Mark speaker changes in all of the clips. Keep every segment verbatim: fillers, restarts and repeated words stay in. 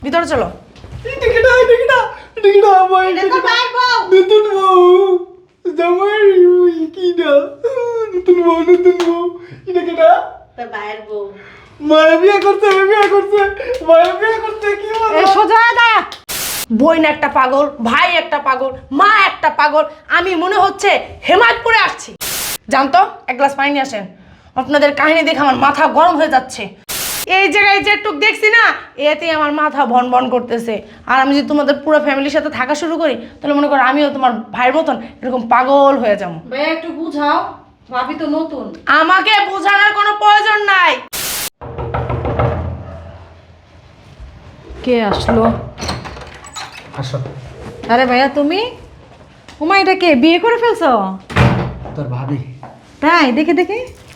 Speaker 1: ভিতরে চলো।
Speaker 2: এটা কেডা এটা কেডা এটা কেডা আমার
Speaker 3: এটা তো ভাই বউ।
Speaker 2: নতুন বউ জামাই ওই কিডা নতুন বউ নতুন বউ এটা কেডা
Speaker 3: তোর ভাইয়ের বউ।
Speaker 2: মায়া বিয়ে করছে বিয়ে করছে মায়া বিয়ে করছে কি বলে
Speaker 1: এই সোজা দাঁড়া। বোন একটা পাগল, ভাই একটা পাগল, মা একটা পাগল, আমি মনে হচ্ছে হেমায়তপুরে আসছি। জানতো এক গ্লাস পানি নিয়ে আসেন। আপনাদের কাহিনী দেখে আমার মাথা গরম হয়ে যাচ্ছে। এই জায়গায় যেটুক দেখছি না, এতেই আমার মাথা ভন ভন করতেছে। আর আমি যদি তোমাদের পুরো ফ্যামিলির সাথে থাকা শুরু করি, তাহলে মনে করো আমিও তোমার ভাইয়ের মতন এরকম পাগল হয়ে যাবো।
Speaker 4: ভাইয়া একটু বুঝাও, ভাবি তো নতুন।
Speaker 1: আমাকে বোঝানোর কোনো প্রয়োজন নাই।
Speaker 4: কে আসলো?
Speaker 2: আসো
Speaker 4: আরে ভাইয়া তুমি? উমা এটা কে, বিয়ে করে ফেলছো?
Speaker 2: তোর ভাবি
Speaker 4: তাই দেখে দেখে।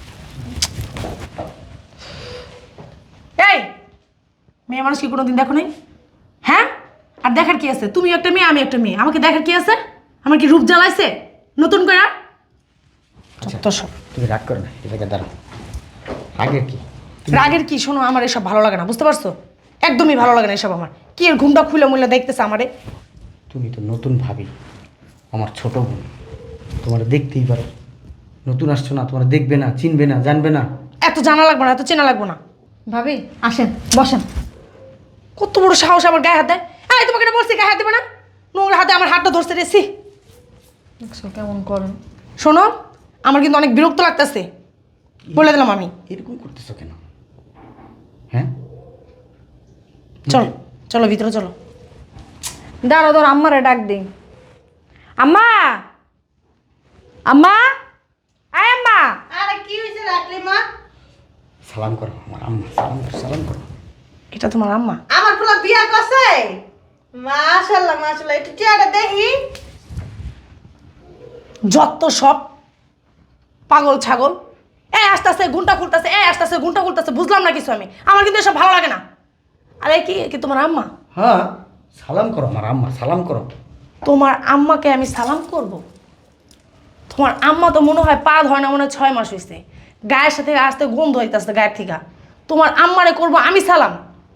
Speaker 1: এই মেয়ে মানুষ কি কোনোদিন দেখো নাই? হ্যাঁ, আর দেখার কি আছে? তুমি একটা মেয়ে, আমি একটা মেয়ে, আমাকে দেখার কি আছে? আমার কি রূপ জ্বালাইছে নতুন করে?
Speaker 2: আচ্ছা
Speaker 1: তো সব
Speaker 2: তুমি রাগ করো না এটাকে দাঁড়াও আগে কি
Speaker 1: রাগের কি? শোনো, আমার এসব ভালো লাগে না, বুঝতে পারছো? একদমই ভালো লাগে না এসব। আমার কি এর ঘুমটা খুলে মুলে দেখতেছে আমারে।
Speaker 2: তুমি তো নতুন ভাবি, আমার ছোট বোন, তোমার দেখতেই পারো। নতুন আসছো না, তোমার দেখবে না, চিনবে না, জানবে না।
Speaker 1: এত জানা লাগবে না, এত চেনা লাগবে না।
Speaker 4: ভাবি আসেন বসেন।
Speaker 1: কত বড় সাহস আমার গায়ে হাত দেয়! এই তোমাকে না বলছি গায়ে হাত দেবে না? নোংরা হাতে আমার হাতটা ধরতে রেছি।
Speaker 4: দেখছো কেমন করেন?
Speaker 1: শোনো, আমার কিন্তু অনেক বিরক্ত লাগতেছে, বলে দিলাম আমি।
Speaker 2: এরকম করতেছো কেন? হ্যাঁ
Speaker 1: চলো চলো ভিতরে চলো।
Speaker 4: দাঁড়ো ধর, আম্মারে ডাক দিই। আম্মা, আম্মা, আয় আম্মা।
Speaker 3: আরে কি হয়েছে রাখলি মা?
Speaker 2: সালাম করো আমার আম্মা, সালাম করো সালাম করো।
Speaker 1: এটা তোমার আম্মা?
Speaker 3: আমার পুরো বিয়া করছে। মাশাআল্লাহ মাশাআল্লাহ, একটু চেহারা দেখি।
Speaker 1: যত সব পাগল ছাগল। এ আস্তে আস্তে ঘুমটা খুলতেছে, এ আস্তে আস্তে ঘুমটা খুলতেছে, বুঝলাম না কিছু আমি। আমার কিন্তু এসব ভালো লাগে না। আরে কি কি তোমার আম্মা?
Speaker 2: হ্যাঁ সালাম করো আমার আম্মা, সালাম করো।
Speaker 1: তোমার আম্মাকে আমি সালাম করব? তোমার আম্মা তো মনে হয় পা ধয় না, মনে হয় ছয় মাস হয়েছে। গায়ের সাথে আসতে গন্ধ হইতেছে গায়ের থেকে। তোমার আম্মারে করব আমি সালাম?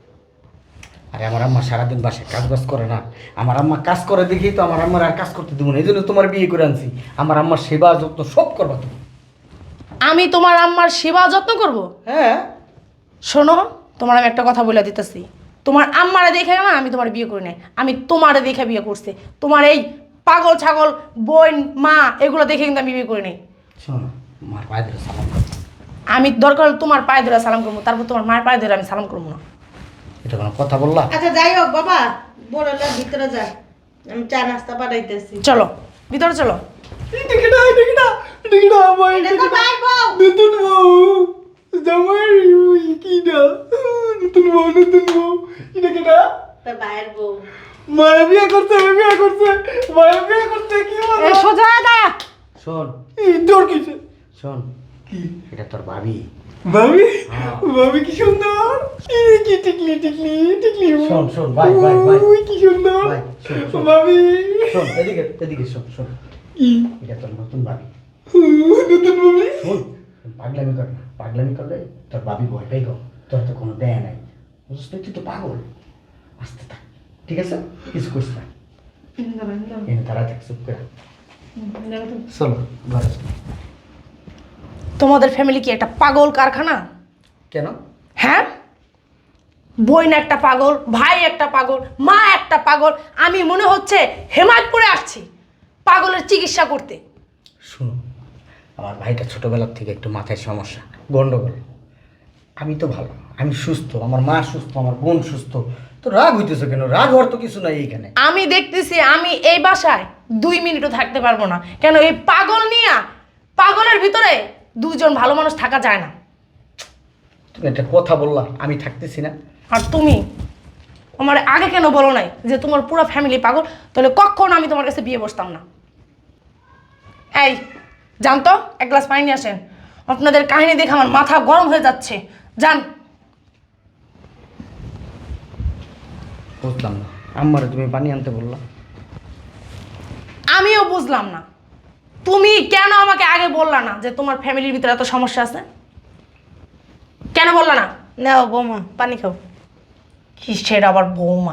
Speaker 2: আরে আমার আম্মা সারাদিন বাসায় কাজ বাজ করে না, আমার আম্মা কাজ করে দেখেই তো আমার আম্মার আর কাজ করতে দেবো না, এই জন্য তোমার বিয়ে করে আনছি। আমার আম্মার সেবা যত্ন সব করবা তুমি।
Speaker 1: আমি তোমার আম্মার সেবা যত্ন করব?
Speaker 2: হ্যাঁ
Speaker 1: শোনো, তোমার আমি একটা কথা বলে দিতেছি। তোমার আম্মারে দেখে না আমি তোমার বিয়ে করি নাই, আমি তোমারে দেখে বিয়ে করছি। তোমার এই পাগল ছাগল বোন মা এগুলো দেখে কিন্তু আমি বিয়ে করি নাই।
Speaker 2: শোনো, আমার পায়ে ধরে সালাম করো।
Speaker 1: আমি দরকার হলে তোমার পায়ে ধরে সালাম করবো, তারপর তোমার মায়ের পায়ে ধরে আমি সালাম করবো না।
Speaker 2: এটা কোনো কথা বললা?
Speaker 3: আচ্ছা যাই হোক বাবা, বড়লা ভিতরে যা, আমি চা নাস্তা পাঠাইতেছি।
Speaker 1: চলো ভিতরে চলো।
Speaker 2: এটা কেডা এটা কেডা এটা কেডা আমার
Speaker 3: এটা তো ভাই বউ।
Speaker 2: নতুন বউ জামাই ওই কিডা নতুন বউ নতুন বউ এটা কেডা
Speaker 3: তোর ভাইয়ের বউ।
Speaker 2: মায়া বিয়ে করছে বিয়ে করছে মায়া বিয়ে করছে কি বলে
Speaker 4: এই সোজা দাঁড়া।
Speaker 2: শোন এই তোর কিসে শোন কি এটা তোর ভাবি। ভাবি ভাবি কি সুন্দর কি কি টিকলি টিকলি টিকলি শোন শোন ভাই ভাই ভাই ওই কি সুন্দর ভাই শোন ভাবি শোন এদিকে এদিকে শোন শোন কি এটা তোর নতুন ভাবি নতুন ভাবি শোন পাগলামি কর না পাগলামি করলে তোর ভাবি ভয় পাই গো তোর তো কোনো দেয় নাই বুঝছিস তুই তো পাগল আস্তে থাক ঠিক আছে কিছু করিস না এনে তারা থাক চুপ করে চলো ঘরে চলো।
Speaker 1: তোমাদের ফ্যামিলি কি একটা পাগল কারখানা?
Speaker 2: কেন?
Speaker 1: হ্যাঁ, বোন একটা পাগল, ভাই একটা পাগল, মা একটা পাগল, আমি মনে হচ্ছে হেমায়তপুরে আসছি পাগলের চিকিৎসা করতে।
Speaker 2: শুনো, আমার ভাইটা ছোটবেলার থেকে একটু মাথায় সমস্যা, গন্ডগোল। আমি তো ভালো, আমি সুস্থ, আমার মা সুস্থ, আমার বোন সুস্থ, তো রাগ হইতেছে কেন? রাগ হওয়ার তো কিছু নাই এইখানে।
Speaker 1: আমি দেখতেছি আমি এই বাসায় দুই মিনিটও থাকতে পারবো না। কেন? এই পাগল নিয়া, পাগলের ভিতরে দুজন ভালো মানুষ থাকা যায় না।
Speaker 2: তুমি একটা কথা বললা, আমি থাকতেছি না।
Speaker 1: আর তুমি আমার আগে কেন বলো নাই যে তোমার পুরো ফ্যামিলি পাগল? তাহলে কখনো আমি তোমার কাছে বিয়ে বসতাম না। এই জানতো এক গ্লাস পানি নিয়ে আসেন। আপনাদের কাহিনী দেখে আমার মাথা গরম হয়ে যাচ্ছে। যান।
Speaker 2: বুঝলাম না, আম্মারে তুমি পানি আনতে বললা।
Speaker 1: আমিও বুঝলাম না তুমি কেন আমাকে আগে বললা না যে তোমার ফ্যামিলির ভিতরে এত সমস্যা আছে? কেন বললা না?
Speaker 3: নাও বৌমা পানি খাও।
Speaker 1: কিসের আবার বৌমা?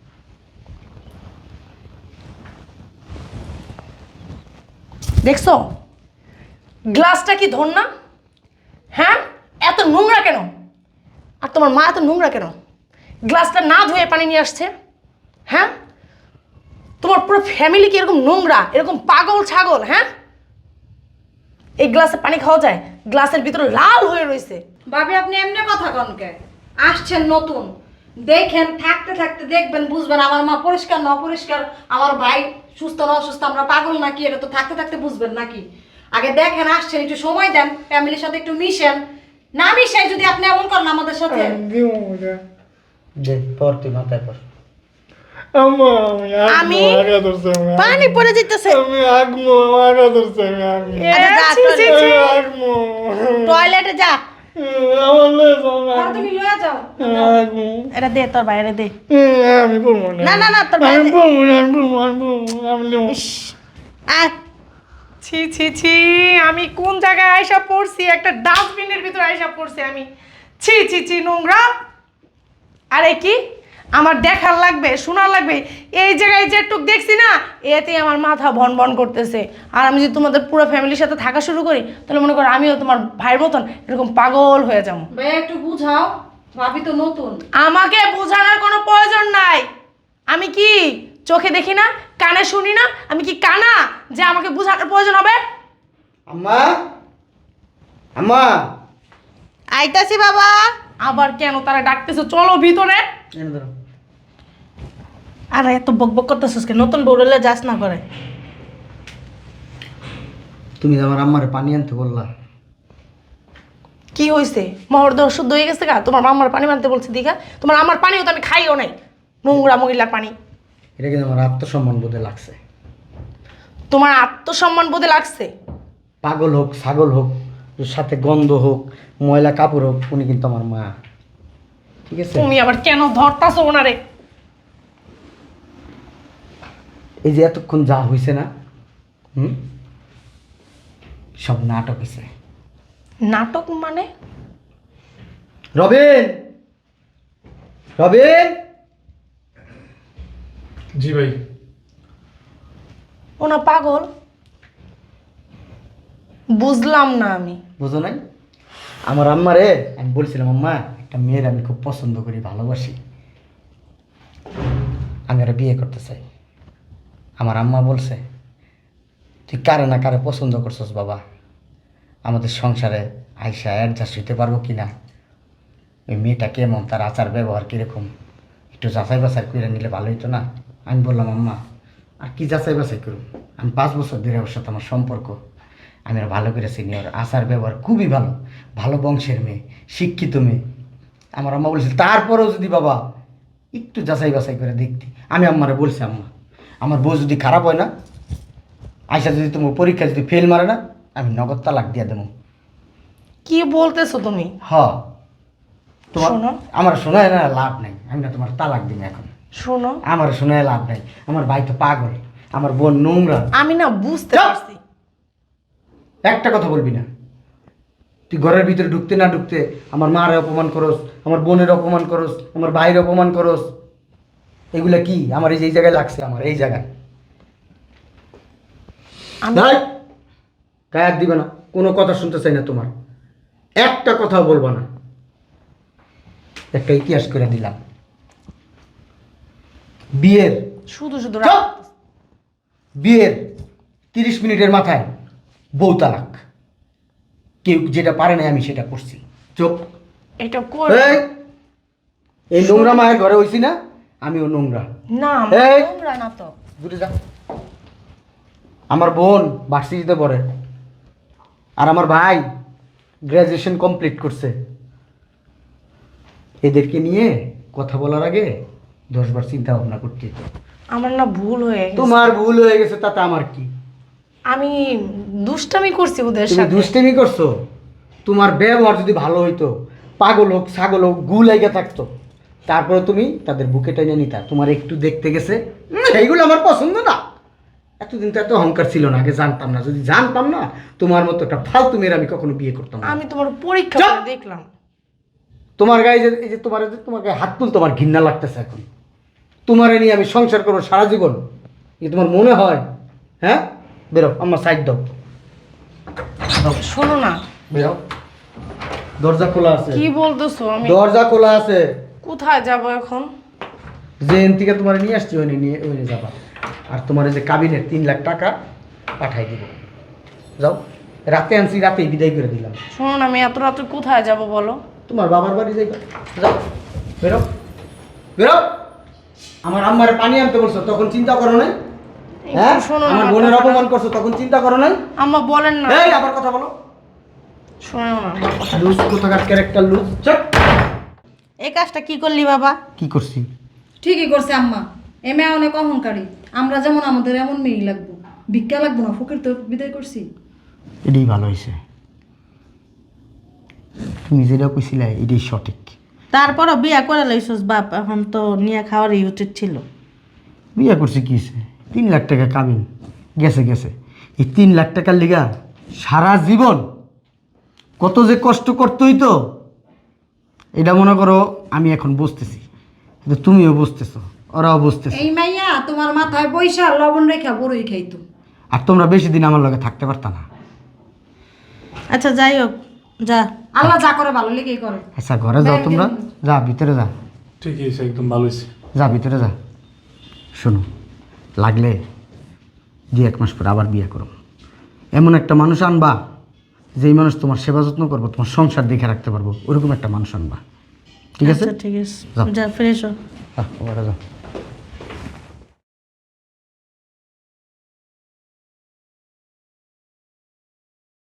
Speaker 1: দেখছো গ্লাসটা কি ধর না? হ্যাঁ, এত নোংরা কেন? আর তোমার মা এত নোংরা কেন? গ্লাসটা না ধুয়ে পানি নিয়ে আসছে। হ্যাঁ, তোমার পুরো ফ্যামিলি কি এরকম নোংরা, এরকম পাগল ছাগল? হ্যাঁ, এই গ্লাসে পানি খাওয়া যায়? গ্লাসের ভিতরে লাল হয়ে রয়েছে।
Speaker 4: ভাবি আপনি এমনি কথা কনকে আসছেন নতুন, দেখেন থাকতে থাকতে দেখবেন বুঝবেন আমার মা পরিষ্কার না অপরিষ্কার, আমার ভাই সুস্থ না অসুস্থ, আমরা পাগল নাকি এটা তো থাকতে থাকতে বুঝবেন নাকি? আগে দেখেন আসছেন, একটু সময় দেন, ফ্যামিলির সাথে একটু মিশেন। না মিশাই যদি আপনি এমন করেন আমাদের সাথে।
Speaker 2: যে পর তুই মাথায় পর।
Speaker 5: আম্মা আমি
Speaker 1: আমি
Speaker 5: আগা ধরছে আমি
Speaker 1: পানি পড়ে যেতেছে।
Speaker 5: আমি আগমো আগা ধরছে আমি আগমো
Speaker 1: এ,
Speaker 3: আচ্ছা, যা,
Speaker 1: ছি, ছি, ছি।
Speaker 5: আগমো
Speaker 3: টয়লেটে যা।
Speaker 5: আমার লেজ
Speaker 4: আর তুমি লয়ে যাও।
Speaker 5: আগমো
Speaker 1: এটা দে তোর বাইরে দে।
Speaker 5: আমি বলবো না
Speaker 3: না না না তোর
Speaker 5: আমি
Speaker 3: বাইরে-
Speaker 5: বলবো না আমি বলবো আমি বলবো আমি নেবো
Speaker 3: আয়।
Speaker 1: ছি ছি ছি, আমি কোন জায়গায় আয়সা পড়ছি? একটা ডাস্টবিনের ভিতরে আয়সা পড়ছি আমি। ছি ছি ছি, নোংরা। আরে কি আমার দেখার লাগবে, শোনার লাগবে? এই জায়গায় যেটুক দেখছি না, এতে আমার মাথা ভন ভন করতেছে। আর আমি যদি তোমাদের পুরো ফ্যামিলির সাথে থাকা শুরু করি, তাহলে মনে করো আমিও তোমার ভাইয়ের মতন এরকম পাগল হয়ে যাবো।
Speaker 4: ভাই একটু বুঝাও, ভাবি তো নতুন।
Speaker 1: আমাকে বোঝানোর কোনো প্রয়োজন নাই। আমি কি চোখে দেখি না, কানে শুনি না? আমি কি কানা যে আমাকে বোঝানোর প্রয়োজন হবে?
Speaker 2: আম্মা, আম্মা,
Speaker 3: আইতাছি বাবা।
Speaker 1: আবার কেন তারা ডাকতেছে? চলো ভিতরে।
Speaker 2: এনে ধরো।
Speaker 1: আর এত বক বক করতেছিস কেন? নতুন বউরলে যাস না করে।
Speaker 2: তুমি তো আমার আম্মারে পানি আনতে বললা।
Speaker 1: কি হয়েছে? মহর্দ শুদ্ধ হয়ে গেছে গা? তোমার আমার পানি মানতে বলছে দিঘা? তোমার আমার পানিও তো আমি খাইও নাই, নোংরা মহিলার পানি।
Speaker 2: এটা কিন্তু আমার আত্মসম্মান বোধে লাগছে।
Speaker 1: তোমার আত্মসম্মান বোধে লাগছে?
Speaker 2: পাগল হোক, ছাগল হোক, ওর সাথে গন্ধ হোক, ময়লা কাপড় হোক, উনি কিন্তু আমার মা। ঠিক আছে?
Speaker 1: তুমি আবার কেন ধরতাছো ওনারে?
Speaker 2: এই যে এতক্ষণ যা হয়েছে না, হুম, সব নাটক হয়েছে।
Speaker 1: নাটক মানে?
Speaker 2: রবিন, রবিন,
Speaker 5: জি ভাই
Speaker 1: ওনা পাগল? বুঝলাম না আমি।
Speaker 2: বুঝো নাই? আমার আম্মারে আমি বলছিলাম, আম্মা একটা মেয়ের আমি খুব পছন্দ করি, ভালোবাসি, আমি ওরা বিয়ে করতে চাই। আমার আম্মা বলছে, তুই কারে না কারে পছন্দ করছস বাবা, আমাদের সংসারে আইসা অ্যাডজাস্ট হইতে পারবো কি না, ওই মেয়েটা কেমন, তার আচার ব্যবহার কীরকম, একটু যাচাই বাছাই করে নিলে ভালো হইতো না? আমি বললাম, আম্মা আর কি যাচাই বাছাই করুন, আমি পাঁচ বছর ধরে ওর সাথে আমার সম্পর্ক, আমি আর ভালো করে চিনি, ওর আচার ব্যবহার খুবই ভালো, ভালো বংশের মেয়ে, শিক্ষিত মেয়ে। আমার আম্মা বলছে তারপরেও যদি বাবা একটু যাচাই বাছাই করে দেখতি। আমি আম্মারে বলছি, আম্মা আমার বউ যদি খারাপ হয় না, আয়সা যদি তোমার পরীক্ষা যদি ফেল মারে না, আমি নগদ তালাক দিয়ে দেবো।
Speaker 1: কি বলতেছো তুমি?
Speaker 2: হ, তোমার
Speaker 1: শোনো।
Speaker 2: আমার শোনায় না লাভ নাই, আমি না তোমার তালাক দিন এখন।
Speaker 1: শোনো,
Speaker 2: আমার শোনায় লাভ নাই, আমার ভাই তো পাগল, আমার বোন নোংরা।
Speaker 1: আমি না বুঝতে
Speaker 2: চুপ!
Speaker 1: পারছি।
Speaker 2: একটা কথা বলবি না। তুই ঘরের ভিতরে ঢুকতে না ঢুকতে আমার মারে অপমান করস, আমার বোনের অপমান করস, আমার ভাইয়ের অপমান করস। এগুলা কি আমার এই যে এই জায়গায় লাগছে, আমার এই জায়গায়
Speaker 1: আমি
Speaker 2: গায়ে দিবে না, কোনো কথা শুনতে চাই না তোমার, একটা কথাও বলবো না। একটা ইতিহাস করে দিলাম বিয়ের,
Speaker 1: শুধু শুধু
Speaker 2: চুপ! বিয়ের তিরিশ মিনিটের মাথায় বউ তালাক। কেউ যেটা পারে না আমি সেটা করছি। চুপ!
Speaker 1: এটা কর
Speaker 2: এই, এই নোংরা মায়ের ঘরে হইছি না, আমিও নোংরা।
Speaker 1: না,
Speaker 2: এই!
Speaker 1: নোংরা না তো।
Speaker 2: দূরে যা। আমার বোন ভার্সিটিতে পড়ে, আর আমার ভাই গ্র্যাজুয়েশন কমপ্লিট করছে। এদেরকে নিয়ে কথা বলার আগে দশবার চিন্তা ভাবনা করতে হতো।
Speaker 1: আমার না ভুল হয়ে গেছে।
Speaker 2: তোমার ভুল হয়ে গেছে তাতে আমার কি?
Speaker 1: আমি দুষ্টামি করছি ওদের
Speaker 2: তুমি
Speaker 1: সাথে।
Speaker 2: দুষ্টামি করছো? তোমার ব্যবহার যদি ভালো হইতো, পাগল হোক ছাগল হোক গু লাইগা থাকতো, তারপরে তুমি তাদের বুকে টেনে নিতা। তোমার একটু দেখতে গেছে, উম, সেইগুলো আমার পছন্দ না। এতদিন তো এত অহংকার ছিল না, আগে জানতাম না। যদি জানতাম না তোমার মতো একটা ফালতু মেয়ের আমি কখনো বিয়ে করতাম না।
Speaker 1: আমি তোমার পরীক্ষা
Speaker 2: চুপ!
Speaker 1: করে দেখলাম।
Speaker 2: তোমার গায়ে যে এই যে তোমার এই যে তোমার গায়ে হাত তুল তোমার ঘৃণা লাগতেছে এখন। তোমার নিয়ে আমি সংসার করবো সারা জীবন, এই তোমার মনে হয়? হ্যাঁ, বেরো আমার সাইড দাও।
Speaker 1: শোনো না,
Speaker 2: বেরো। দরজা খোলা আছে।
Speaker 1: কি বলতেছো? আমি
Speaker 2: দরজা খোলা আছে।
Speaker 1: কোথায় যাব এখন?
Speaker 2: যে এন থেকে তোমার নিয়ে আসছি ওই নিয়ে ওই নিয়ে যাবা। আর তোমার এই যে কাবিনের তিন লাখ টাকা পাঠাই দিব। যাও, রাতে আনছি, রাতেই বিদায় করে দিলাম।
Speaker 1: শোনো না, আমি এত রাত্রে কোথায় যাব বলো?
Speaker 2: তোমার বাবার বাড়ি যাইবা। যাও, বেরো বেরো। আমার আম্মারে পানি আনতে বলছো, তখন চিন্তা করো নাই? হ্যাঁ,
Speaker 1: একটু শোনো না
Speaker 2: আমার
Speaker 1: আমার
Speaker 2: বোনের
Speaker 1: কথাটা।
Speaker 2: অপমান করছো, তখন চিন্তা করো নাই?
Speaker 1: আম্মা বলেন না।
Speaker 2: এই আবার কথা বলো।
Speaker 1: শোনো না আমার কথা।
Speaker 2: লুজ কোথাকার ক্যারেক্টার লুজ। চট।
Speaker 3: এই কাজটা কি করলি বাবা?
Speaker 2: কি করছি?
Speaker 4: ঠিকই করছে আম্মা। এ মেয়ে অনেক অহংকারী। আমরা যেমন আমাদের এমন মেয়েই লাগবো, ভিক্ষা লাগবো না। ফকির তো বিদায় করছি।
Speaker 2: এটাই ভালো হয়েছে, তুমি যেটা কইছিলে এটাই সঠিক।
Speaker 3: তারপরও বিয়া করে লইছস বাপ, এখন তো নিয়ে খাওয়ারই উচিত ছিল।
Speaker 2: বিয়ে করছি কি হয়েছে? তিন লাখ টাকা কাবিন গেছে গেছে। এই তিন লাখ টাকার লিগা সারা জীবন কত যে কষ্ট করতেই তো, এটা মনে করো আমি এখন বুঝতেছি, কিন্তু তুমিও বুঝতেছো, ওরাও বুঝতেছে।
Speaker 4: এই মাইয়া তোমার মাথায় পয়সা লবণ রেখা বড়ই খাইতো।
Speaker 2: আর তোমরা বেশি দিন আমার লগে থাকতে পারতা না।
Speaker 3: আচ্ছা যাই হোক, যা।
Speaker 4: আল্লাহ যা করে ভালো লেগেই করে।
Speaker 2: আচ্ছা ঘরে যাও তোমরা, যা ভিতরে যা,
Speaker 5: ঠিকই আছে, একদম ভালো হয়েছে।
Speaker 2: যা ভিতরে যা। শোনো, লাগলে দুই এক মাস পরে আবার বিয়ে করো। এমন একটা মানুষ আনবা যেই মানুষ তোমার সেবা যত্ন করবো, তোমার সংসার দেখে রাখতে পারবো, ওরকম একটা মানুষ আনবা। ঠিক আছে?
Speaker 3: আচ্ছা ঠিক আছে,
Speaker 2: যাও।
Speaker 3: যা ফ্রেশ হ।
Speaker 2: আহ, ওরা যাও।